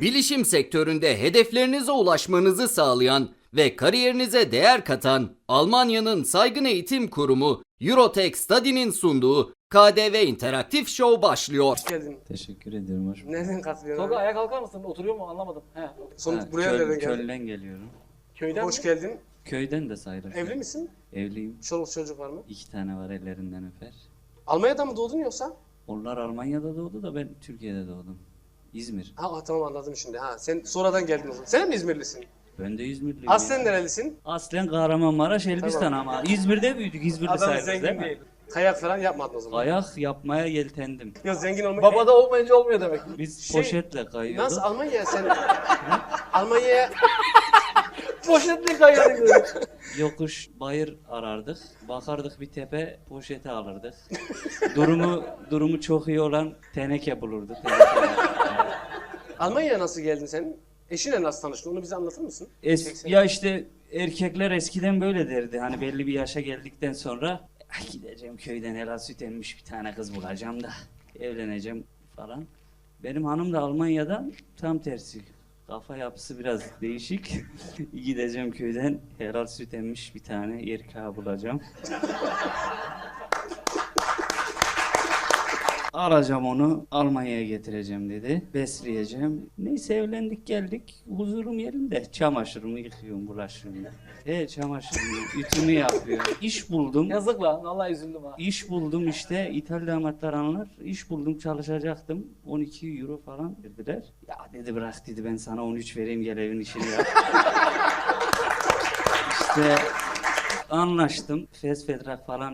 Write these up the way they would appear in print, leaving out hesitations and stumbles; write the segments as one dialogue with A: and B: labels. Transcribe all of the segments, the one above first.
A: Bilişim sektöründe hedeflerinize ulaşmanızı sağlayan ve kariyerinize değer katan Almanya'nın saygın eğitim kurumu Eurotech Study'nin sunduğu KDV İnteraktif Show başlıyor.
B: Hoş geldin.
C: Teşekkür ederim. Hoş bulduk.
B: Nereden katılıyorsun
D: Tolga
B: abi?
D: ayağa kalkar mısın? Oturuyor mu anlamadım. He.
B: Sonra buraya nereden geldin?
C: Köln'den geliyorum.
D: Köyden
B: Hoş
D: mi?
B: geldin.
C: Köyden de sayılır.
B: Evli misin?
C: Evliyim.
B: Çoluk çocuk var mı?
C: 2 tane var, ellerinden öper.
B: Almanya'da mı doğdun yoksa?
C: Onlar Almanya'da doğdu da ben Türkiye'de doğdum. İzmir.
B: Ha tamam anladım şimdi. Ha sen sonradan geldin o zaman. Sen mi İzmirlisin?
C: Ben de İzmirliyim.
B: Aslen
C: ya.
B: nerelisin?
C: Aslen Kahramanmaraş, Elbistan
B: Tamam.
C: ama İzmir'de büyüdük. İzmir'de
D: Adam
C: sayılır değil
D: zengin
C: mi?
D: değil.
B: Kayak falan yapmadın o zaman.
C: Kayak yapmaya yeltendim.
B: Yok zengin olmak.
D: Babada olmayınca olmuyor demek.
C: Biz
B: Şey,
C: poşetle kayıyorduk.
B: Nasıl Almanya sen? Almanya'ya
D: Poşetli kayıyorduk dedi.
C: Yokuş, bayır arardık. Bakardık bir tepe, poşeti alırdık. Durumu çok iyi olan teneke bulurdu.
B: Almanya'ya nasıl geldin sen? Eşinle nasıl tanıştın? Onu bize anlatır mısın?
C: Ya işte erkekler eskiden böyle derdi. Hani belli bir yaşa geldikten sonra "Ay gideceğim köyden helal süt emmiş bir tane kız bulacağım da evleneceğim falan. Benim hanım da Almanya'dan tam tersi. Kafa yapısı biraz değişik. Gideceğim köyden helal süt emmiş bir tane erkeği bulacağım. Alacağım onu Almanya'ya getireceğim dedi. Besleyeceğim. Neyse evlendik geldik. Huzurum yerinde. Çamaşırımı yıkıyorum, bulaşığımı. Çamaşırımı, ütümü yapıyorum. İş buldum.
D: Yazık lan. Vallahi üzüldüm ha.
C: İş buldum işte. İtalya damatlar anlar. İş buldum, çalışacaktım. 12 euro falan verdiler. Ya dedi bırak dedi, ben sana 13 vereyim, gel evin işini yap. İşte anlaştım. Fesfetrak falan.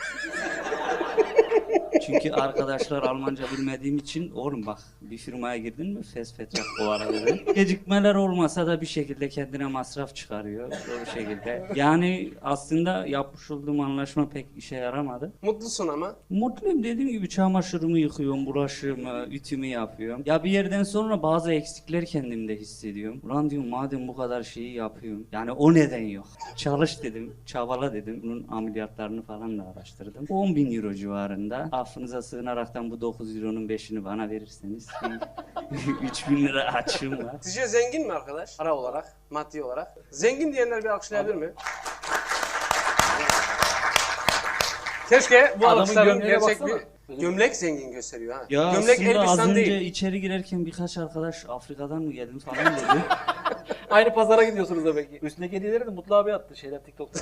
C: Çünkü arkadaşlar Almanca bilmediğim için oğlum bak bir firmaya girdin mi fesfetrak o ara dedi. Gecikmeler olmasa da bir şekilde kendine masraf çıkarıyor o şekilde. Yani aslında yapmış olduğum anlaşma pek işe yaramadı.
B: Mutlusun ama.
C: Mutluyum, dediğim gibi çamaşırımı yıkıyorum, bulaşığımı, ütümü yapıyorum. Ya bir yerden sonra bazı eksikler kendimde hissediyorum. Ulan diyorum madem bu kadar şeyi yapıyorum. Yani o neden yok? Çalış dedim, çabala dedim. Bunun ameliyatlarını falan da araştırdım. 10.000 euro civarında. Affınıza sığınaraktan bu 9 euronun 5'ini bana verirseniz 3.000 lira açığım var.
B: Sizce zengin mi arkadaş? Para olarak, maddi olarak. Zengin diyenler bir alkışlayabilir mi? Keşke bu
D: Adamın
B: alkışların
D: gömleğine
B: gerçek
D: baksana.
B: bir gömlek zengin gösteriyor ha.
C: Ya
B: Gömlek
C: aslında az
B: Elbistan
C: önce
B: değil.
C: içeri girerken birkaç arkadaş Afrika'dan mı geldin falan dedi.
D: Aynı pazara gidiyorsunuz demek ki. Üstündeki hediyeleri de Mutlu abi attı şeyler TikTok'ta.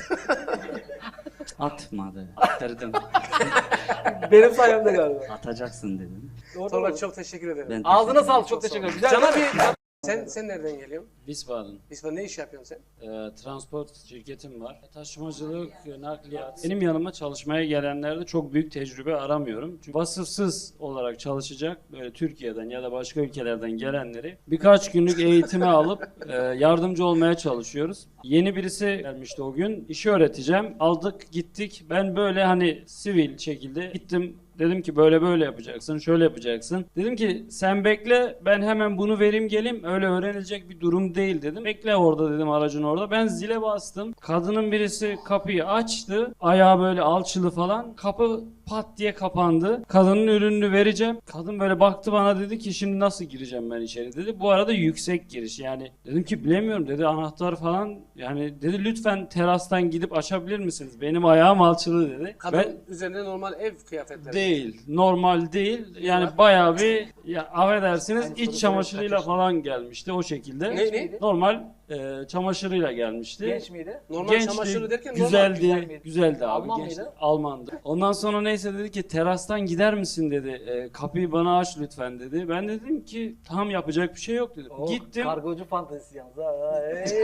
C: Atmadı. Attırdım.
D: Benim sayemde galiba.
C: Atacaksın dedim.
D: Doğru,
B: Tolga
D: doğru.
B: çok teşekkür ederim.
C: Ben
D: Ağzına
C: teşekkür
D: sağlık. Çok teşekkür ederim. Güzel.
B: Cana bir... Sen nereden geliyorsun?
E: Wiesbaden.
B: Biz ne iş yapıyorsun sen?
E: Transport şirketim var. Taşımacılık, nakliyat. Benim yanıma çalışmaya gelenlerde çok büyük tecrübe aramıyorum. Çünkü vasıfsız olarak çalışacak böyle Türkiye'den ya da başka ülkelerden gelenleri birkaç günlük eğitime alıp yardımcı olmaya çalışıyoruz. Yeni birisi gelmişti o gün. İşi öğreteceğim. Aldık gittik. Ben böyle hani sivil şekilde gittim. Dedim ki böyle böyle yapacaksın, şöyle yapacaksın. Dedim ki sen bekle, ben hemen bunu vereyim geleyim. Öyle öğrenilecek bir durum değil dedim. Bekle orada dedim, aracın orada. Ben zile bastım. Kadının birisi kapıyı açtı. Ayağı böyle alçılı falan. Kapı pat diye kapandı. Kadının ürününü vereceğim. Kadın böyle baktı bana, dedi ki şimdi nasıl gireceğim ben içeri dedi. Bu arada yüksek giriş yani. Dedim ki bilemiyorum dedi, anahtar falan. Yani dedi lütfen terastan gidip açabilir misiniz? Benim ayağım alçılı dedi.
B: Kadın
E: Ben
B: üzerinde normal ev kıyafetleri.
E: değil. Normal değil. Yani bayağı bir ya affedersiniz iç çamaşırıyla falan gelmişti o şekilde.
B: Ne?
E: Normal çamaşırıyla gelmişti.
D: Genç miydi?
B: Normal
E: Gençti,
B: çamaşırı derken
E: güzeldi,
D: güzel miydi?
E: güzeldi abi.
D: Alman
E: gençti.
D: mıydı?
E: Almandı. Ondan sonra neyse dedi ki terastan gider misin dedi. Kapıyı bana aç lütfen dedi. Ben dedim ki tamam yapacak bir şey yok dedim.
D: Oh,
E: Gittim.
D: Kargocu fantezisi yalnız ha.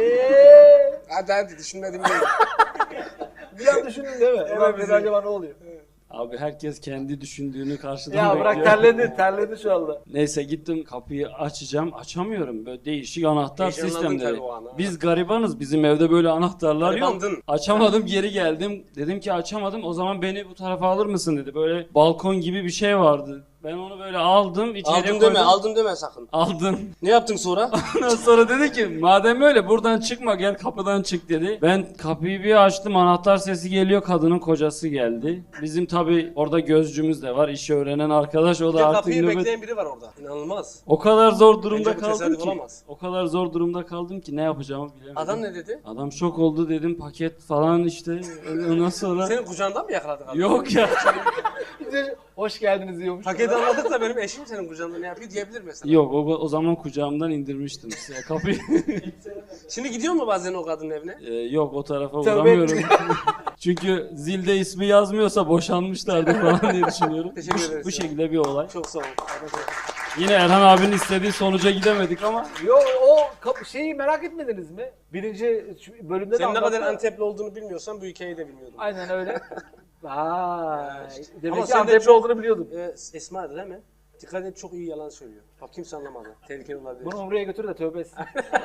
B: Hadi düşünmedim değil.
D: Bir an düşündün değil mi? Ulan dedi, acaba ne oluyor?
E: Abi herkes kendi düşündüğünü karşıdan
D: Ya
E: bekliyor.
D: bırak terledi şu anda.
E: Neyse gittim kapıyı açacağım. Açamıyorum. Böyle değişik anahtar
B: Heyecanlandın
E: sistemleri.
B: tabii o an, ha.
E: Biz garibanız. Bizim evde böyle anahtarlar yok.
B: Garibandın.
E: Açamadım, geri geldim. Dedim ki açamadım. O zaman beni bu tarafa alır mısın dedi. Böyle balkon gibi bir şey vardı. Ben onu böyle aldım, içeri
B: Aldım
E: koydum.
B: deme, aldım deme sakın.
E: Aldım.
B: Ne yaptın sonra?
E: Ondan sonra dedi ki madem öyle buradan çıkma gel kapıdan çık dedi. Ben kapıyı bir açtım, anahtar sesi geliyor, kadının kocası geldi. Bizim tabi orada gözcümüz de var, işi öğrenen arkadaş, o
B: Bir
E: da
B: de
E: artık
B: kapıyı
E: nöbet.
B: bekleyen biri var orada. İnanılmaz.
E: O kadar zor durumda
B: Bence bu
E: kaldım
B: tesadüf
E: ki.
B: olamaz.
E: O kadar zor durumda kaldım ki ne yapacağımı bilemedim.
B: Adam ne dedi?
E: Adam şok oldu, dedim paket falan işte. Ondan sonra
B: Senin kucağından mı yakaladık adam?
E: yok ya.
D: Hoş geldiniz diyormuş.
B: Paketi anladık da benim eşim senin kucağında ne yapıyor diyebilir mesela.
E: Yok o zaman kucağımdan indirmiştim size kapıyı.
B: Şimdi gidiyor mu bazen o kadının evine?
E: Yok o tarafa
D: Tövbe
E: uğramıyorum. Çünkü zilde ismi yazmıyorsa boşanmışlardı falan diye düşünüyorum.
B: Teşekkür ederiz
E: Bu
B: ya.
E: şekilde bir olay.
B: Çok sağ ol.
E: Yine Erhan abinin istediği sonuca gidemedik ama
D: Yo o şeyi merak etmediniz mi? Birinci bölümde de
B: Senin ne kadar
D: anlattı.
B: Antepli olduğunu bilmiyorsan bu hikayeyi de bilmiyordum.
D: Aynen öyle. Vay. Demek
B: Ama
D: ki
B: sen de
D: Antepli
B: çok-
D: olduğunu biliyordum.
B: Esma'dı değil mi? Dikkat et, çok iyi yalan söylüyor. Bak kimse anlamadı. Tehlikeli olabilir.
D: Bunu Umre'ye götür de tövbe etsin.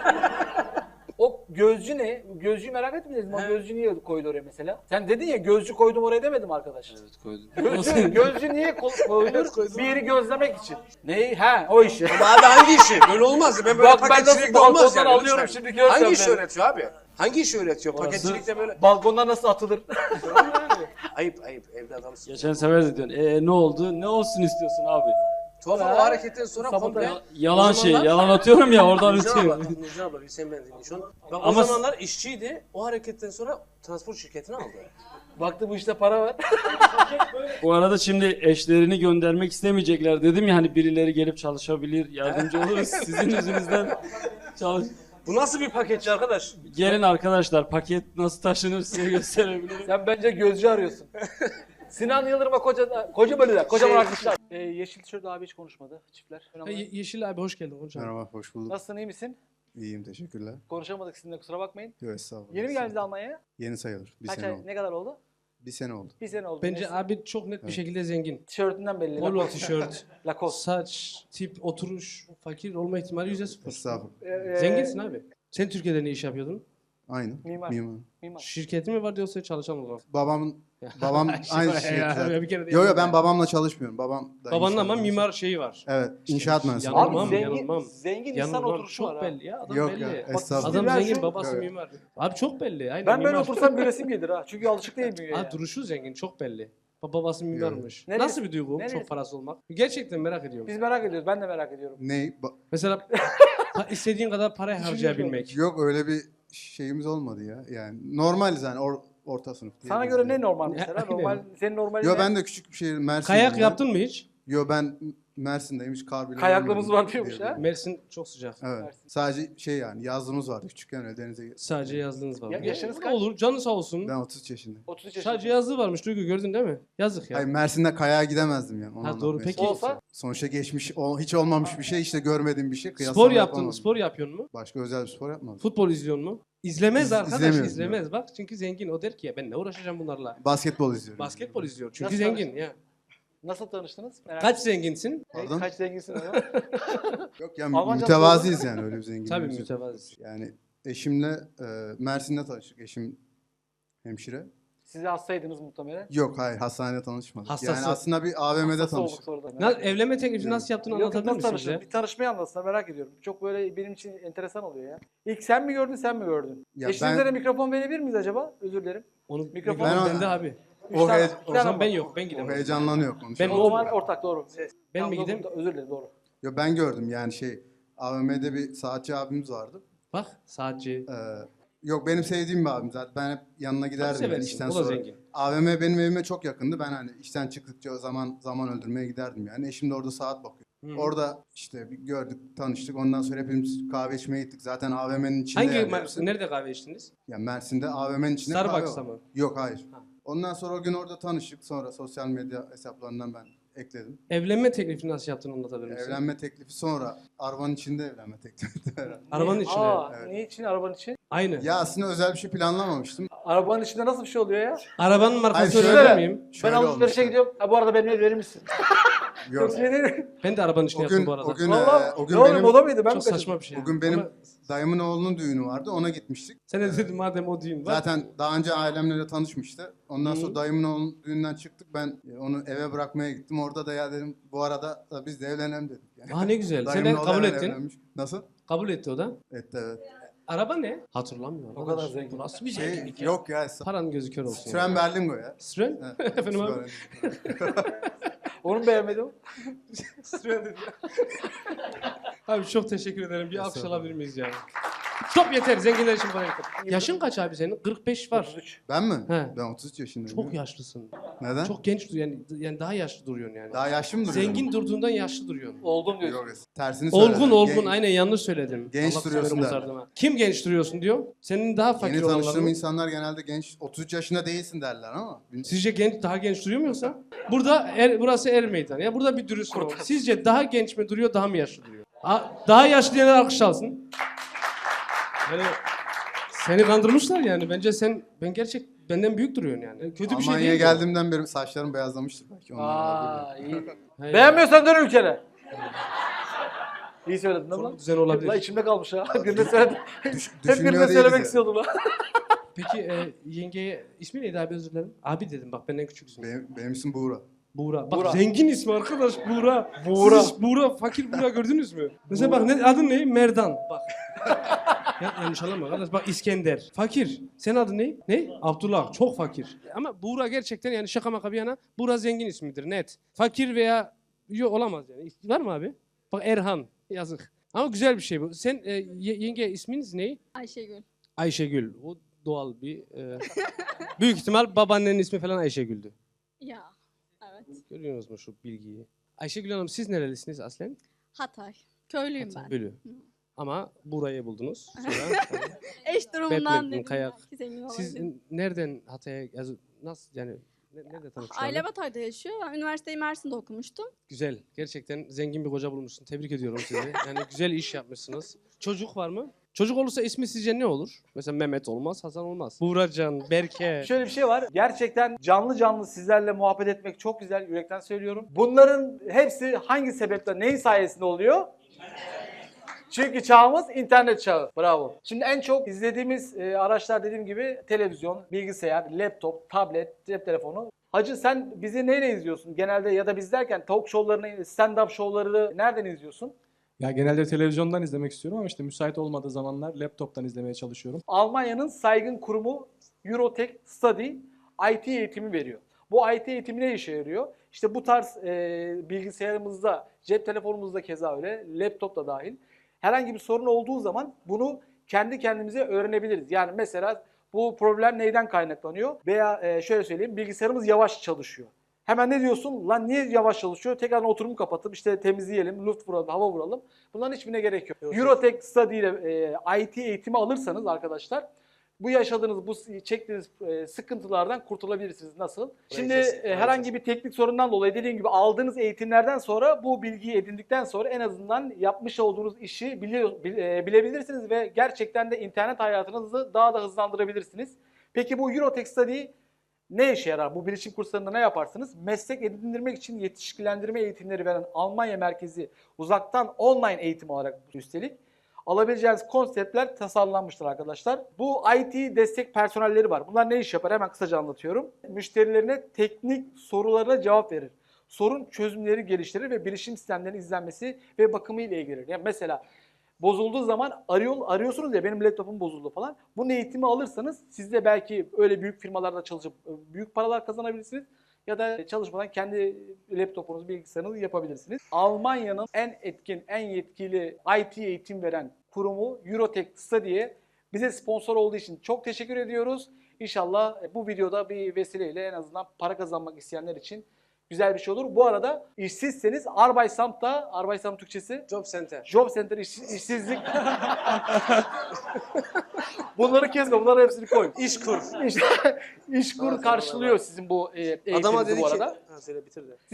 D: O gözcü ne? Gözcüyü merak etmediniz mi? O
B: He.
D: gözcü niye koydu oraya mesela? Sen dedin ya gözcü koydum oraya demedim arkadaş.
E: evet koydum.
D: Gözcü niye koyulur?
B: koydum.
D: Bir yeri gözlemek için. Neyi? Ha o işi.
B: Ama abi hangi işi? Böyle olmaz. Ben böyle
D: Bak ben
B: paketçilikte
D: nasıl
B: olmaz
D: balkondan
B: yani.
D: alıyorum
B: lütfen.
D: şimdi göreceğim
B: Hangi işi
D: ben.
B: öğretiyor abi? Hangi işi öğretiyor?
E: Orası-
B: Paketçilikte böyle.
D: Balkondan nasıl atılır?
B: Ayıp evde adamsın.
E: Geçen sefer de diyorsun ne oldu? Ne olsun istiyorsun abi?
B: Tuhaf
D: Ha.
B: ama o hareketten sonra
D: Sabah
B: komple...
E: Yalan
B: O zamanlar-
E: yalan atıyorum ya oradan
B: Nurcan abla,
E: ötüyor.
B: bak Nurcan abla bir sen ben dinle şu an. Bak
E: Ama-
B: o zamanlar işçiydi. O hareketten sonra transport şirketini aldı.
D: Baktı bu işte para var.
E: Bu arada şimdi eşlerini göndermek istemeyecekler dedim ya hani birileri gelip çalışabilir, yardımcı oluruz sizin yüzünüzden. Çalış.
B: Bu nasıl bir paketçi arkadaş?
E: Gelin arkadaşlar paket nasıl taşınır size gösterebilirim.
D: Sen bence gözcü arıyorsun. Sinan Yıldırım'a koca bölüler, kocaman
B: Şey-
D: arkadaşlar. Yeşil tişört abi hiç konuşmadı çiftler.
F: Yeşil abi hoş geldin hocam.
G: Merhaba, hoş bulduk.
D: Nasılsın, iyi misin?
G: İyiyim, teşekkürler.
D: Konuşamadık sizinle, kusura bakmayın.
G: Yok, estağfurullah.
D: Yeni mi geldiniz Almanya'ya?
G: Yeni sayılır. Bir
D: Kaç
G: sene
D: ay,
G: oldu.
D: ne kadar oldu?
G: Bir sene oldu.
D: Bir sene oldu.
F: Bence
D: Neyse.
F: abi çok net bir şekilde zengin.
D: Tişörtünden belli.
F: Polo
D: Lacoste.
F: tişört,
D: Lacoste.
F: saç, tip, oturuş, fakir olma ihtimali %0.
G: Estağfurullah.
F: Zenginsin abi. Sen Türkiye'de ne iş yapıyordun?
G: Aynı.
D: Mimar.
G: Mimar.
F: Şirketi mi vardı yoksa çalışan olarak?
G: Babam aynı
F: Ya,
G: şirketler.
F: bir kere de
G: Yok yok,
F: yapma.
G: ben babamla çalışmıyorum. Babam da
F: Babanın
G: inşaat
F: ama
G: mühendisi.
F: mimar şeyi var.
G: Evet, inşaat mühendisi.
F: Yanılmam,
D: Abi zengin,
F: yanılmam.
D: zengin insan
F: Yanılmam.
D: oturuşu
F: Çok
D: var ha.
F: belli ya. Adam
G: Yok
F: belli.
G: ya,
D: Bak,
G: estağfurullah.
F: Adam
D: Ben
F: zengin,
D: şu-
F: babası
G: Evet.
F: mimar. Abi çok belli. Aynen
D: Ben böyle
F: mimar.
D: otursam gülesim gelir ha. Çünkü alışık değil bünyeye.
F: Abi duruşu zengin, çok belli. Babası mimarmış.
D: Neresi-
F: Nasıl bir duygu
D: neresi?
F: çok parası olmak? Gerçekten merak ediyorum.
D: Biz merak ediyoruz. Ben de merak ediyorum.
G: Ney?
F: Mesela istediğin kadar para harcayabilmek.
G: Yok, öyle bir şeyimiz olmadı ya. Yani normaliz yani, orta sınıf.
D: Sana
G: diyebiliriz
D: göre ne
G: yani.
D: normal mesela?
F: Aynen.
D: Normal, senin normalin
G: Yo,
D: ne?
G: ben de küçük bir şehir, Mersin'deyim.
F: Kayak
G: ben.
F: yaptın mı hiç?
G: Yo, ben Mersin'deyim, hiç kar bile
D: Kayaklığımız
G: görmedim
D: var diyormuş ha.
G: diyebilirim.
F: Mersin çok sıcak.
G: Evet.
D: Mersin.
G: Sadece şey yani, yazlığımız vardı küçükken, öyle denize.
F: Sadece yazlığınız var.
D: Ya- yaşınız kaç?
F: Olur, canı sağ olsun.
G: Ben 33 yaşındayım.
D: 33 yaşında.
F: Sadece yazlığı varmış Duygu, gördün değil mi? Yazık ya.
G: Hayır, Mersin'de kayağa gidemezdim yani. onu
F: Ha, doğru.
G: anlatmaya
F: Peki-
G: çalışıyorum.
D: Olsa?
G: Sonuçta geçmiş, hiç olmamış bir şey, işte görmediğim bir şey.
F: Spor
G: kıyaslama
F: yaptın mı?
G: yapamadım.
F: Spor yapıyor mu?
G: Başka özel bir spor yapmadım.
F: Futbol izliyor mu? İzlemez arkadaş,
G: izlemiyorum.
F: izlemez. Bak çünkü zengin. O der ki ya ben ne uğraşacağım bunlarla.
G: Basketbol izliyorum.
F: Basketbol izliyor. Çünkü
D: Nasıl
F: zengin ya.
D: Nasıl tanıştınız? Merak
F: Kaç zenginsin?
G: Pardon?
D: Kaç zenginsin ama?
G: Yok ya,
D: Almanca
G: mütevaziyiz yani, öyle bir zenginliğimiz
F: Tabii
G: yok.
F: mütevazi.
G: Yani eşimle Mersin'de tanıştık. Eşim hemşire.
D: Siz de hastaydınız muhtemelen.
G: Yok, hayır, hastanede tanışmadık.
F: Hastası.
G: Yani aslında bir AVM'de
D: Hastası olduk
G: tanıştık.
D: sonradan.
F: Evlenme teklifi nasıl yaptığını
D: Yok,
F: anlatabilir
D: nasıl
F: misin
D: tanıştın?
F: bize?
D: Bir tanışmayı anlatsana, merak ediyorum. Çok böyle benim için enteresan oluyor ya. İlk sen mi gördün, sen mi gördün?
G: Ya
D: Eşinize
G: ben-
D: de mikrofon verebilir miyiz acaba? Özür dilerim.
F: Onu
D: Mikrofon-
F: mikrofon
G: Ben-
F: bende abi.
D: Üç
G: O
D: tane-
G: he-
D: iki
F: O
D: tane
F: zaman
D: var.
F: ben yok, ben
G: O
F: gidemem.
G: heyecanlanıyor
D: O
G: konuşuyor.
D: zaman ortak, doğru.
F: Ben
D: Tamam,
F: mi
D: doğru,
F: gideyim?
D: Özür dilerim, doğru.
G: Yo, ben gördüm yani AVM'de bir saatçi abimiz vardı.
F: Bak saatçi.
G: Yok, benim sevdiğim bir abim zaten. Ben hep yanına giderdim yani
F: seversin,
G: işten
F: o da
G: sonra.
F: zengin.
G: AVM benim evime çok yakındı. Ben hani işten çıktıkça o zaman öldürmeye giderdim yani. Eşim de orada saat bakıyor.
F: Hı.
G: Orada işte bir gördük, tanıştık. Ondan sonra hepimiz kahve içmeye gittik. Zaten AVM'nin içinde
F: Hangi
G: yani hepsi.
F: nerede kahve içtiniz?
G: Ya Mersin'de AVM'nin içinde kahve
F: Starbucks'ta
G: var.
F: mı?
G: Yok, hayır.
F: Ha.
G: Ondan sonra o gün orada tanıştık. Sonra sosyal medya hesaplarından ben ekledim.
F: Evlenme teklifi nasıl yaptığını anlatabilir misin?
G: Evlenme teklifi sonra arabanın içinde evlenme teklifi.
F: Arabanın içine.
D: Aa,
G: Evet.
D: niçin arabanın için?
F: Aynı.
G: Ya aslında özel bir şey planlamamıştım.
D: Arabanın içinde nasıl bir şey oluyor ya?
F: Arabanın markası
G: Hayır,
F: öğrenebilir
G: şöyle-
F: miyim?
D: Ben
G: Şöyle
D: alışverişe
G: olmuştu.
D: gidiyorum. Ha, bu arada benim ev verir misin?
G: Yok.
D: Şey değil.
F: Ben de arabanın içinde
G: O gün,
F: yaptım bu arada.
G: o gün,
D: Vallahi
G: o gün
D: ne oğlum
G: benim,
D: o da mıydı? Ben
F: Çok
D: mi kaçırdım?
F: saçma bir şey.
G: o gün benim
F: Ama
G: dayımın oğlunun düğünü vardı. Ona gitmiştik.
F: sen de dedin madem o düğün var.
G: Zaten daha önce ailemle de tanışmıştı. Ondan sonra dayımın oğlunun düğünden çıktık. Ben onu eve bırakmaya gittim. Orada da ya dedim bu arada da biz de evlenelim dedim. Yani.
F: Ne güzel. Sen
G: Dayımın
F: de
G: oğlu
F: kabul
G: hemen
F: ettin.
G: evlenmiş. Nasıl?
F: Kabul etti o da.
G: Etti evet.
F: Araba ne? Hatırlamıyorum.
D: O kadar zengin.
F: Bu nasıl bir
G: Şey,
F: zenginlik ya?
G: yok ya.
F: Paran gözü kör olsun.
G: Süren Berlingo ya.
F: Süren?
G: Evet,
F: Efendim abi?
D: Onu mu beğenmedim?
F: Süren dedi. Abi çok teşekkür ederim. Bir alkış alabilir miyiz ya? Stop yeter. Zenginler için bana yeter. Yaşın kaç abi senin? 45 var.
D: 33.
G: Ben mi?
F: He.
G: Ben 33 yaşındayım.
F: Çok yaşlısın.
G: Neden?
F: Çok genç duruyorsun. Yani daha yaşlı duruyorsun yani.
G: Daha yaşlı mı duruyorum?
F: Zengin durduğundan yaşlı duruyorsun.
D: Oldum diyorsun.
G: Yok, tersini söyledim.
F: Olgun. Aynen yanlış söyledim.
G: Genç
F: Allah
G: duruyorsun
F: severim
G: der.
F: uzardım ha. Kim genç duruyorsun diyor. Senin daha fakir
G: Yeni tanıştığım
F: olanlar mı?
G: insanlar genelde genç. 33 yaşında değilsin derler ama.
F: Sizce daha genç duruyor mu yoksa? Burada burası er meydanı. Ya burada bir dürüst olun. Sizce daha genç mi duruyor, daha mı yaşlı duruyor? Daha yaşlı diyenler alkış alsın. Yani seni kandırmışlar yani. Bence benden büyük duruyorsun yani. Kötü bir şey
G: Almanya'ya
F: değil.
G: geldiğimden beri saçlarım beyazlamıştır belki. Ondan
D: Aa
G: olabilir.
D: iyi.
F: Hayır.
D: Beğenmiyorsan dön ülkene. İyi söyledin değil mi lan?
F: Düzen olabilir.
D: La içimde kalmış ha. Birine söyledim. Hep
G: Düşünmüyor
D: birine
G: değiliz
D: söylemek
G: yani.
D: istiyordum lan.
F: Peki yengeye ismi neydi abi, özür dilerim. Abi dedim bak, benden küçüksün.
G: Benim isim Buğra.
F: Buğra. Bak
D: Buğra.
F: zengin ismi arkadaş, Buğra.
D: Buğra.
F: Siz hiç Buğra, fakir Buğra gördünüz mü? Mesela bak adın ne? Merdan. Bak. Yanlış anlama arkadaş. Bak İskender. Fakir. Senin adın ne? Ne? Abdullah. Çok fakir. Ama Buğra gerçekten, yani şaka maka bir yana, Buğra zengin ismidir net. Fakir veya yok olamaz yani. Var mı abi? Bak Erhan. Yazık. Ama güzel bir şey bu. Sen yenge isminiz ne?
H: Ayşegül.
F: Ayşegül. O doğal bir... büyük ihtimal babaannenin ismi falan Ayşegül'dü.
H: Ya. Evet.
F: Görüyorsunuz mu şu bilgiyi? Ayşegül Hanım, siz nerelisiniz aslen?
H: Hatay. Köylüyüm ben.
F: Bölü. Ama burayı buldunuz. Sonra,
H: Eş durumundan
F: Batman,
H: dedim.
F: kayak.
H: Belki zengin
F: siz
H: olabilirim.
F: nereden Hatay'a, nasıl yani, nerede tanıştınız?
H: Aile Hatay'da yaşıyor. Ben üniversiteyi Mersin'de okumuştum.
F: Güzel. Gerçekten zengin bir koca bulmuşsun. Tebrik ediyorum sizi. Yani güzel iş yapmışsınız. Çocuk var mı? Çocuk olursa ismi sizce ne olur? Mesela Mehmet olmaz, Hasan olmaz. Buğracan, Berke.
D: Şöyle bir şey var. Gerçekten canlı canlı sizlerle muhabbet etmek çok güzel. Yürekten söylüyorum. Bunların hepsi hangi sebeple, neyin sayesinde oluyor? Çünkü çağımız internet çağı. Bravo. Şimdi en çok izlediğimiz araçlar dediğim gibi televizyon, bilgisayar, laptop, tablet, cep telefonu. Hacı sen bizi neyle izliyorsun? Genelde ya da biz derken talk show'larını, stand-up show'ları nereden izliyorsun?
I: Ya genelde televizyondan izlemek istiyorum ama işte müsait olmadığı zamanlar laptoptan izlemeye çalışıyorum.
D: Almanya'nın saygın kurumu Eurotech Study IT eğitimi veriyor. Bu IT eğitimi ne işe yarıyor? İşte bu tarz bilgisayarımızda, cep telefonumuzda keza öyle, laptop da dahil. Herhangi bir sorun olduğu zaman bunu kendi kendimize öğrenebiliriz. Yani mesela bu problem neyden kaynaklanıyor? Veya şöyle söyleyeyim, bilgisayarımız yavaş çalışıyor. Hemen ne diyorsun? Lan niye yavaş çalışıyor? Tekrardan oturumu kapatıp işte temizleyelim, luft vuralım, hava vuralım. Bunların hiçbirine gerek yok. Eurotech Study ile IT eğitimi alırsanız arkadaşlar, bu yaşadığınız, bu çektiğiniz sıkıntılardan kurtulabilirsiniz. Nasıl? Şimdi herhangi bir teknik sorundan dolayı dediğim gibi aldığınız eğitimlerden sonra bu bilgiyi edindikten sonra en azından yapmış olduğunuz işi bilebilirsiniz ve gerçekten de internet hayatınızı daha da hızlandırabilirsiniz. Peki bu Eurotech Study ne işe yarar? Bu bilişim kurslarında ne yaparsınız? Meslek edindirmek için yetişkilendirme eğitimleri veren Almanya merkezi uzaktan online eğitim olarak üstelik alabileceğiniz konseptler tasarlanmıştır arkadaşlar. Bu IT destek personelleri var. Bunlar ne iş yapar? Hemen kısaca anlatıyorum. Müşterilerine teknik sorularına cevap verir. Sorun çözümleri geliştirir ve bilişim sistemlerinin izlenmesi ve bakımı ile ilgilenir. Yani mesela bozulduğu zaman arıyorsunuz ya, benim laptopum bozuldu falan. Bunun eğitimi alırsanız siz de belki öyle büyük firmalarda çalışıp büyük paralar kazanabilirsiniz. Ya da çalışmadan kendi laptopunuzu, bilgisayarınızı yapabilirsiniz. Almanya'nın en etkin, en yetkili IT eğitim veren kurumu Eurotech Study'ye bize sponsor olduğu için çok teşekkür ediyoruz. İnşallah bu videoda bir vesileyle en azından para kazanmak isteyenler için güzel bir şey olur. Bu arada işsizseniz Arbeitsamt'ta, Arbeitsamt Türkçesi?
F: Job Center.
D: Job Center işsizlik. Bunları kesme, bunları hepsini koy.
F: İşkur.
D: İşkur karşılıyor sizin bu eğitiminizi
F: Adama dedi
D: bu
F: ki...
D: arada.
F: Ha, söyle bitir de.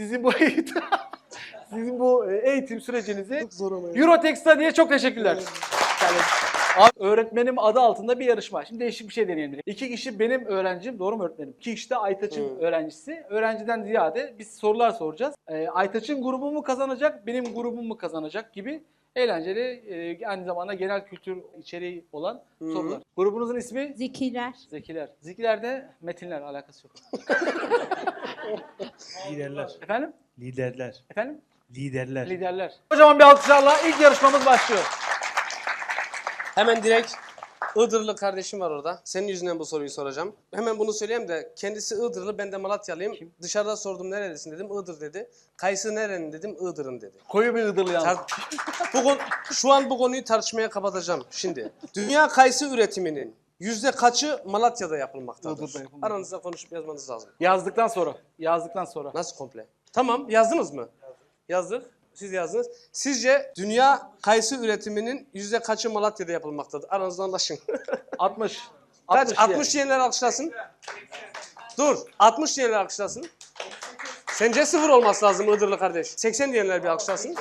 D: Sizin bu eğitim sürecinizi Eurotech Study'ye çok teşekkürler. Öğretmenim adı altında bir yarışma. Şimdi değişik bir şey deneyelim. 2 kişi benim öğrencim, doğru mu öğretmenim? 2 kişi de Aytaç'ın öğrencisi. Öğrenciden ziyade biz sorular soracağız. Aytaç'ın grubu mu kazanacak, benim grubum mu kazanacak gibi eğlenceli, aynı zamanda genel kültür içeriği olan sorular. Grubunuzun ismi?
H: Zekiler.
D: Zekiler. Zekiler'de metinler alakası yok.
F: Liderler.
D: Efendim?
F: Liderler.
D: Efendim?
F: Liderler.
D: Liderler. Kocaman bir alkışlarla ilk yarışmamız başlıyor.
B: Hemen direkt Iğdırlı kardeşim var orada. Senin yüzünden bu soruyu soracağım. Hemen bunu söyleyeyim de kendisi Iğdırlı, ben de Malatyalıyım. Dışarıda sordum neredesin dedim, Iğdır dedi. Kayısı nerenin dedim, Iğdır'ın dedi.
D: Koyu bir Iğdırlı yalnız.
B: Şu an bu konuyu tartışmaya kapatacağım şimdi. Dünya kayısı üretiminin kaçı Malatya'da yapılmaktadır?
D: Iğdır'da yapılmaktadır.
B: Aranızda konuşup yazmanız lazım.
D: Yazdıktan sonra. Yazdıktan sonra.
B: Nasıl komple? Tamam, yazdınız mı? Yazdık. Siz yazdınız. Sizce dünya kayısı üretiminin kaçı Malatya'da yapılmaktadır? Aranızda anlaşın.
D: 60.
B: Kaç? 60 diyenler alkışlasın. Dur. 60 diyenler alkışlasın. Sence 0 olması lazım Iğdırlı kardeş. 80 diyenler bir alkışlasın.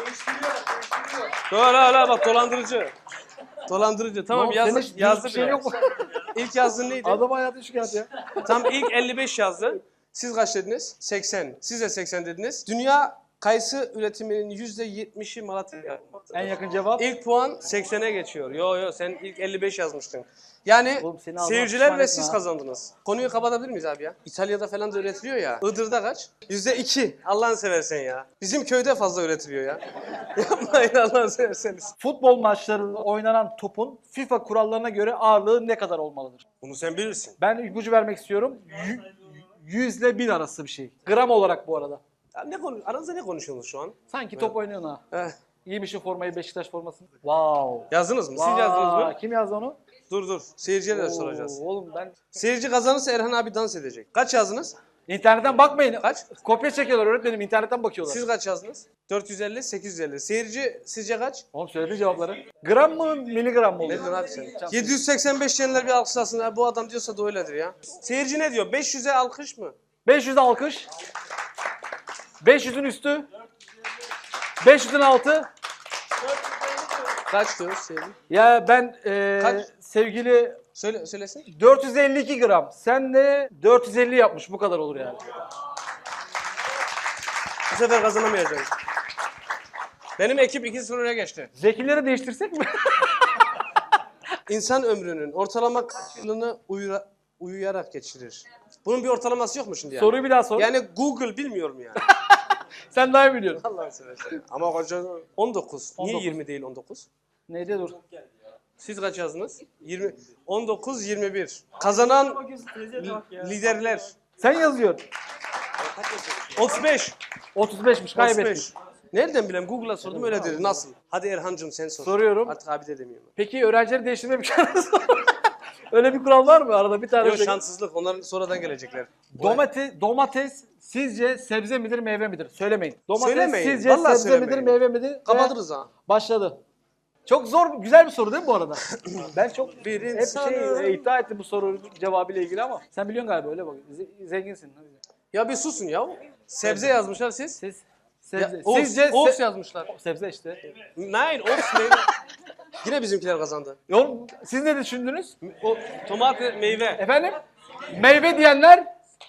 B: Hala bak dolandırıcı. Dolandırıcı. Tamam
D: Oğlum,
B: yazdı.
D: senin
B: Yazdı
D: bir şey
B: biraz.
D: yok mu?
B: İlk yazdığın neydi?
D: Adam hayatı şikayet ya.
B: Tam ilk 55 yazdı. Siz kaç dediniz? 80. Siz de 80 dediniz. Dünya kayısı üretiminin %70'i Malatya'da yapılmaktadır.
D: En yakın cevap.
B: İlk puan 80'e geçiyor. Yo sen ilk 55 yazmıştın. Yani
D: Oğlum seni ağzına
B: seyirciler
D: pişman
B: ve
D: etme
B: siz
D: ha.
B: kazandınız. Konuyu kapatabilir miyiz abi ya? İtalya'da falan da üretiliyor ya. Iğdır'da kaç? %2. Allah'ını seversen ya. Bizim köyde fazla üretiliyor ya. Yapmayın Allah'ını severseniz.
D: Futbol maçlarında oynanan topun FIFA kurallarına göre ağırlığı ne kadar olmalıdır?
B: Bunu sen bilirsin.
D: Ben ipucu vermek istiyorum. 100 ile 1000 arası bir şey. Gram olarak bu arada.
B: Ya aranızda ne konuşuyorsunuz şu an?
D: Sanki top oynuyorsun ha.
B: Eh.
D: Giymişsin formayı, Beşiktaş formasını. Wow.
B: Yazdınız mı? Siz yazdınız mı?
D: Kim yazdı onu?
B: Dur. Seyircilere de soracağız.
D: Oğlum ben...
B: Seyirci kazanırsa Erhan abi dans edecek. Kaç yazdınız?
D: İnternetten bakmayın.
B: Kaç?
D: Kopya çekiyorlar öğretmenim, internetten bakıyorlar.
B: Siz kaç yazdınız? 450, 850. Seyirci sizce kaç?
D: Oğlum söyledi cevapları. Gram mı, miligram mı
B: Ne
D: oluyor?
B: diyorsun abi sen? 785 diyenler bir alkışlasın. Ha, bu adam diyorsa da öyledir ya. Seyirci ne diyor? 500'e alkış mı?
D: 500 alkış. 500'ün üstü. 500'ün altı.
B: Kaç diyor seyirci?
D: Ya ben
B: Kaç?
D: sevgili
B: Söylesin.
D: 452 gram. Sen de 450 yapmış. Bu kadar olur yani.
B: Bu sefer kazanamayacağım. Benim ekip 2-0'a geçti.
D: Zekileri değiştirsek mi?
B: İnsan ömrünün ortalama kaç yılını uyuyarak geçirir? Bunun bir ortalaması yok mu şimdi yani?
D: Soruyu bir daha sor.
B: Yani Google bilmiyorum yani.
D: Sen daha iyi biliyorsun.
B: Allah'ını seversen. Ama koca 19. Niye
D: 19.
B: 20 değil 19?
D: Neydi dur.
B: Siz kaç yazdınız? 20. 19, 21. Kazanan liderler.
D: Sen yazıyorsun.
B: 35.
D: 35'miş kaybettik.
B: 35. Nereden bileyim? Google'a sordum öyle dedi. Nasıl? Hadi Erhan'cığım sen sor.
D: Soruyorum.
B: Artık abi de demiyorum.
D: Peki öğrencileri değiştirme bir şansı var mı? Öyle bir kural var mı? Arada bir tane
B: Yok
D: şey-
B: şanssızlık. Onların sonradan gelecekler.
D: Domates sizce sebze midir, meyve midir? Söylemeyin. Domates
B: Söylemeyin.
D: sizce
B: Vallahi
D: sebze
B: söylemeyin.
D: midir, meyve midir?
B: Kapatırız ha.
D: Başladı. Çok zor, güzel bir soru değil mi bu arada? Ben çok
B: Bir
D: hep
B: insanım.
D: iddia ettim bu soru cevabıyla ilgili ama sen biliyorsun galiba öyle bak. Zenginsin. Hadi.
B: Ya bir susun ya. Sebze yazmışlar siz.
D: Siz
B: Ya,
D: sebze.
B: Ops,
D: Sizce
B: Ops yazmışlar.
D: sebze işte.
B: Nein, Ops meyve. Yine bizimkiler kazandı.
D: Oğlum siz ne düşündünüz?
B: O tomate meyve.
D: Efendim? Meyve diyenler?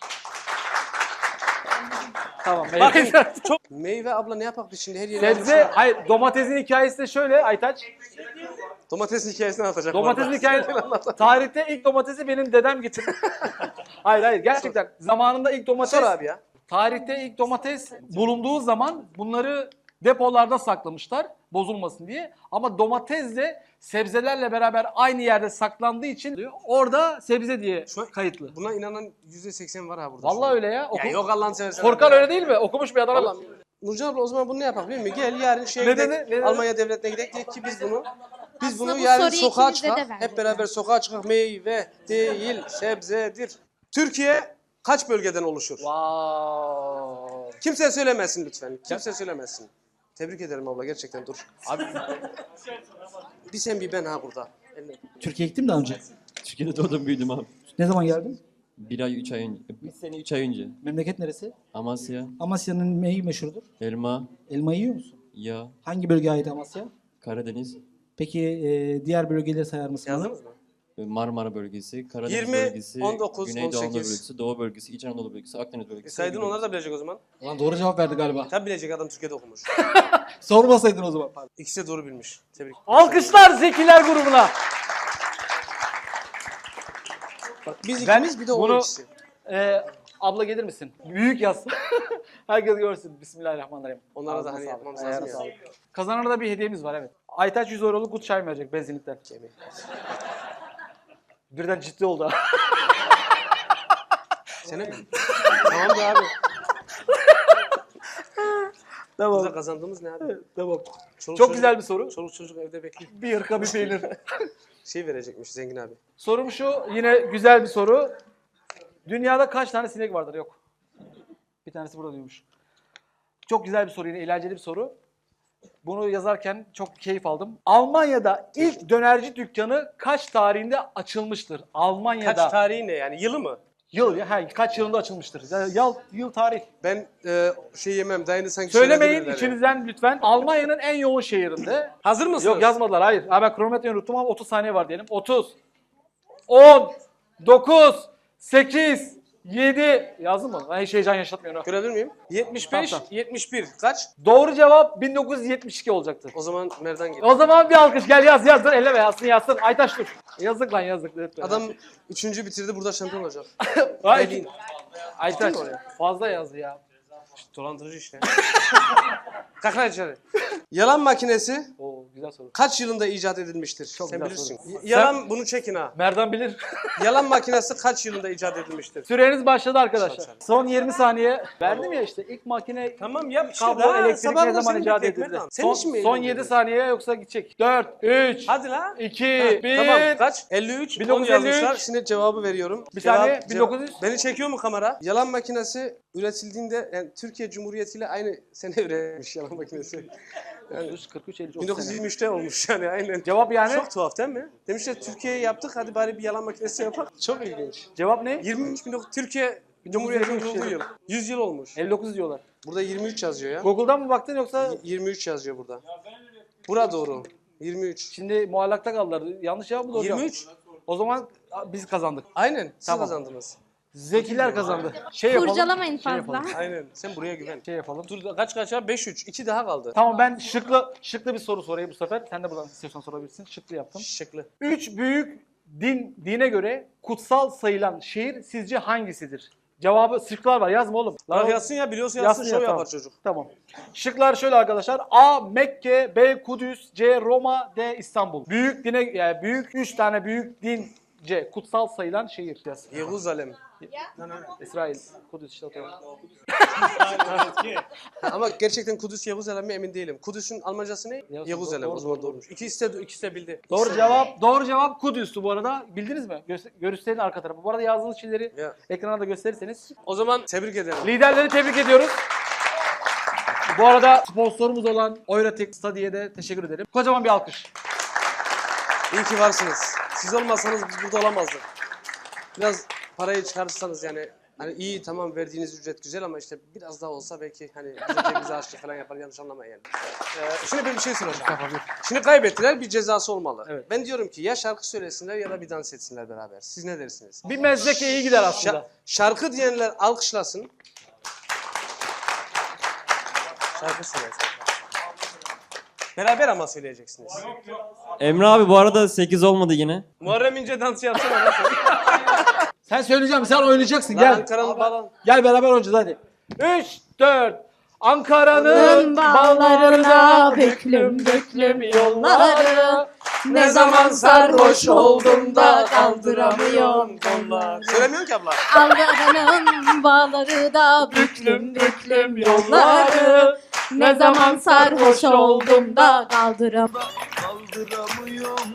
D: Tamam
B: Bakın
D: meyve.
B: çok meyve abla ne yapak biz şimdi her yere
D: Sebze,
B: yazmışlar.
D: hayır domatesin hikayesi de şöyle Aytaç.
B: Domatesin hikayesini anlatacak.
D: Domatesin
B: bu arada.
D: hikayesi. Tarihte ilk domatesi benim dedem getirdi. hayır gerçekten zamanında ilk domates.
B: Sor abi ya.
D: Tarihte ilk domates bulunduğu zaman bunları depolarda saklamışlar bozulmasın diye. Ama domatesle sebzelerle beraber aynı yerde saklandığı için diyor, orada sebze diye
B: Şu an-
D: kayıtlı.
B: Buna inanan %80 var ha burada.
D: Vallahi öyle ya.
B: Ya yok Allah'ını seversen.
D: Korkan
B: abi ya.
D: öyle değil mi? Okumuş bir adam.
B: Vallahi. Nurcan abla o zaman bunu ne yapalım değil mi? Gel yarın şeye
D: Ne
B: gidelim.
D: dedi? Ne dedi?
B: Almanya devletine gidelim. Diye ki biz bunu
H: Aslında bu
B: yarın
H: soruyu
B: sokağa
H: ikimize de
B: çıkar.
H: verdik.
B: Hep beraber sokağa çıkar. Meyve değil, sebzedir. Türkiye kaç bölgeden oluşur?
D: Wow.
B: Kimse söylemesin lütfen. Kimse söylemesin. Tebrik ederim abla gerçekten dur.
D: Abi
B: Bir sen bir ben ha burada.
J: Türkiye'ye gittim daha önce.
K: Türkiye'de doğdum büyüdüm abi.
J: Ne zaman geldin?
K: 1 ay 3 ay önce. 1 sene 3 ay önce.
J: Memleket neresi?
K: Amasya,
J: Amasya'nın neyi meşhurdur?
K: elma,
J: Elma yiyor musun?
K: yağ,
J: Hangi bölgeye ait Amasya?
K: Karadeniz.
J: Peki diğer bölgeleri sayar mısın? bana?
B: Yazdınız mı?
K: Marmara bölgesi, Karadeniz
B: 20,
K: bölgesi,
B: 19,
K: Güneydoğu Anadolu
B: 18.
K: bölgesi, Doğu bölgesi, İç Anadolu bölgesi, Akdeniz bölgesi.
B: Saydın
K: Ege
B: onlar da
K: bölgesi.
B: bilecek o zaman.
J: Ulan doğru cevap verdi galiba.
B: Tabi bilecek, adam Türkiye'de okumuş.
J: Sormasaydın o zaman.
B: İkisi de doğru bilmiş. Tebrik.
D: Alkışlar Zekiler grubuna.
B: Bak, biz
D: Ben
B: ikimiz bir de o
D: bunu-
B: ikisi.
D: Abla gelir misin? Büyük yaz. Herkes görsün. Bismillahirrahmanirrahim.
B: Onlara da
D: Ağzına
B: hani
D: sağlık.
B: yapmamız
D: Ayağına
B: lazım ya.
D: sağlık. Kazanana da bir hediyemiz var evet. Aytaç 100 euroluk gut çay verecek benzinlikten. Birden ciddi oldu ha.
B: Sene mi? Tamam be abi.
D: Tamam.
B: Burada kazandığımız ne abi?
D: Tamam.
B: Çoluk
D: Çok
B: çocuk-
D: güzel bir soru.
B: Çoluk çocuk evde bekliyor.
D: Bir hırka bir peynir.
B: Şey verecekmiş zengin abi.
D: Sorum şu, yine güzel bir soru. Dünyada kaç tane sinek vardır? Yok. Bir tanesi burada diyormuş. Çok güzel bir soru, yine eğlenceli bir soru. Bunu yazarken çok keyif aldım. Almanya'da ilk dönerci dükkanı kaç tarihinde açılmıştır? Almanya'da.
B: Kaç tarihi ne yani? Yılı mı?
D: Yıl ya, kaç yılında açılmıştır? Yıl tarih.
B: Ben şey yemem. Dayını sanki
D: Söylemeyin
B: söyledim dediler ya.
D: içinizden lütfen. Almanya'nın en yoğun şehrinde.
B: Hazır mısınız?
D: Yok yazmadılar, hayır. Ha, ben kronometreyi unuttum ama 30 saniye var diyelim. 30, 10, 9, 8, 7. Yazdın mı? Ben hiç heyecan yaşatmıyorum. ha.
B: Görebilir miyim? 75,
D: Tamam.
B: 71. Kaç?
D: Doğru cevap 1972 olacaktı.
B: O zaman Merdan geliyor.
D: O zaman bir alkış, gel yaz dur, elleme yazsın. Aytaş dur. Yazık lan yazık. Lütfen.
B: Adam 3. bitirdi, burada şampiyon olacak.
D: Ay,
B: Elin.
D: Aytaş
B: Gittin mi
D: fazla yazdı ya.
B: Dolandırıcı işte. Kalk lan içeri. Yalan makinesi
D: Oo güzel soru.
B: kaç yılında icat edilmiştir?
D: Çok
B: Sen
D: güzel
B: bilirsin.
D: soru.
B: Yalan, bunu çekin ha.
D: Merdan bilir.
B: Yalan makinesi kaç yılında icat edilmiştir?
D: Süreniz başladı arkadaşlar.
B: Başladı.
D: Son 20 saniye. Verdim ya işte ilk makine
B: Tamam yap işte.
D: kablo
B: daha.
D: elektrik
B: Sabah
D: ne
B: da
D: zaman
B: seni
D: icat
B: bekleyek
D: edildi?
B: Merdan. Senin için mi
D: Son
B: eğlendin?
D: 7 saniye yoksa gidecek. 4, 3,
B: Hadi la.
D: 2,
B: Ha,
D: 1.
B: Tamam kaç? 53. 10
D: 1953.
B: yazmışlar. Şimdi cevabı veriyorum.
D: Bir saniye, 1900.
B: Beni çekiyor mu kamera? Yalan makinesi üretildiğinde yani Türkiye Cumhuriyeti ile aynı sene üretilmiş yalan makinesi.
D: 43, 50, 30 sene.
B: 1923'te olmuş yani aynen.
D: Cevap yani?
B: Çok tuhaf değil mi? Demişler Türkiye'ye yaptık, hadi bari bir yalan makinesi yapalım. Çok ilginç.
D: Cevap ne?
B: 23 Türkiye Cumhuriyeti'nin kurulduğu yıl. 100 yıl olmuş.
D: 59 diyorlar.
B: Burada 23 yazıyor ya.
D: Google'dan mı baktın yoksa?
B: 23 yazıyor burada. Bura doğru. 23.
D: Şimdi muallakta kaldılar. Yanlış cevap mı doğru cevap?
B: 23.
D: O zaman biz kazandık.
B: Aynen. Siz
D: Tamam.
B: kazandınız.
D: Zekiler kazandı. Şey yapalım.
H: Kurcalamayın
D: şey
H: fazla.
D: yapalım.
B: Aynen. Sen buraya güven.
D: Şey yapalım.
B: Dur kaç ya? 5-3. 2 daha kaldı.
D: Tamam ben şıklı bir soru sorayım bu sefer. Sen de buradan istiyorsan sorabilirsin. Şıklı yaptım.
B: Şıklı.
D: 3 büyük dine göre kutsal sayılan şehir sizce hangisidir? Cevabı şıklar var. Yazma oğlum.
B: Lan yazsın ya, biliyorsa yazsın, şov
D: ya,
B: yapar
D: tamam.
B: çocuk.
D: Tamam. Şıklar şöyle arkadaşlar. A. Mekke, B. Kudüs, C. Roma, D. İstanbul. Büyük dine yani büyük 3 tane büyük dince kutsal sayılan şehir. Yaz.
B: Yeruzalem.
D: İsrail. Kudüs işte atıyorum.
B: Ama gerçekten Kudüs Yeruzalem mi emin değilim. Kudüs'ün Almancası ne?
D: Yeruzalem.
B: Yeruzalem.
D: Doğru,
B: O zaman
D: doğru.
B: doğrumuş. İkisi de bildi.
D: Doğru cevap Kudüs'tü bu arada. Bildiniz mi? Gösterin arka tarafı. Bu arada yazdığınız şeyleri
B: Ya.
D: ekrana da gösterirseniz.
B: O zaman tebrik ederim.
D: Liderleri tebrik ediyoruz. Bu arada sponsorumuz olan Oyratek Study'ye de teşekkür ederim. Kocaman bir alkış.
B: İyi ki varsınız. Siz olmasanız biz burada olamazdık. Biraz parayı çıkarırsanız yani hani iyi tamam verdiğiniz ücret güzel ama işte biraz daha olsa belki hani bize açlık falan yapar, yanlış anlamayın yani. Şimdi ben bir şey soracağım. Şimdi kaybettiler, bir cezası olmalı.
D: Evet.
B: Ben diyorum ki ya şarkı söylesinler ya da bir dans etsinler beraber. Siz ne dersiniz?
D: Bir mezdeke iyi gider aslında.
B: Şarkı diyenler alkışlasın. Şarkı söylesin. Beraber ama söyleyeceksiniz.
K: Emre abi bu arada 8 olmadı yine.
B: Muharrem İnce dansı yapsana nasıl?
J: Sen söyleyeceğim, sen oynayacaksın.
B: Lan
J: Gel.
B: Ankara'nın bağlan.
J: Gel beraber oynayacağız hadi.
D: 3, 4. Ankara'nın bağlarına büklüm büklüm yolları. Ne zaman sarhoş oldum da kaldıramıyorum kolları.
B: Söylemiyorsun ki abla.
H: Ankara'nın bağları da büklüm büklüm yolları. Ne zaman sarhoş oldum da kaldıramıyorum.